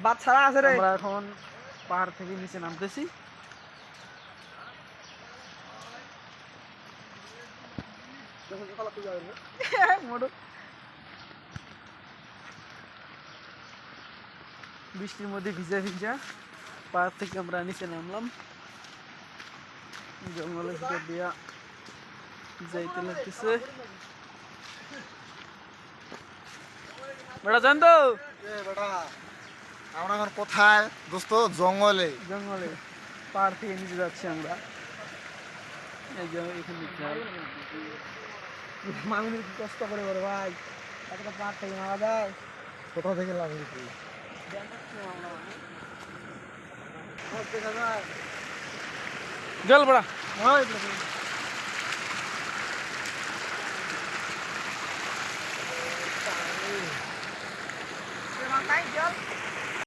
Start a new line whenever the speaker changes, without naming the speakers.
বাচ্চারা আছে রে।
আমরা এখন পাহাড় থেকে নিচে নামতেছি। বৃষ্টির মধ্যে ভিজা ভিজা পাহাড় থেকে আমরা নিচে নামলাম। জঙ্গলের ভিতর দিয়া যাইতে লাগতেছে। বেটা জান তো
বেটা আমরা এখন কোথায় দোস্ত? জঙ্গলে।
জঙ্গলে পাহাড় থেকে নিচে যাচ্ছি আমরা। এই যে এখানে
মামির কি কষ্ট করে বড় ভাই, একটা পাহাড় থেকে নামা যায়।
কোথা থেকে নামলি তুই?
দেখা যায়
জল বড়া
জল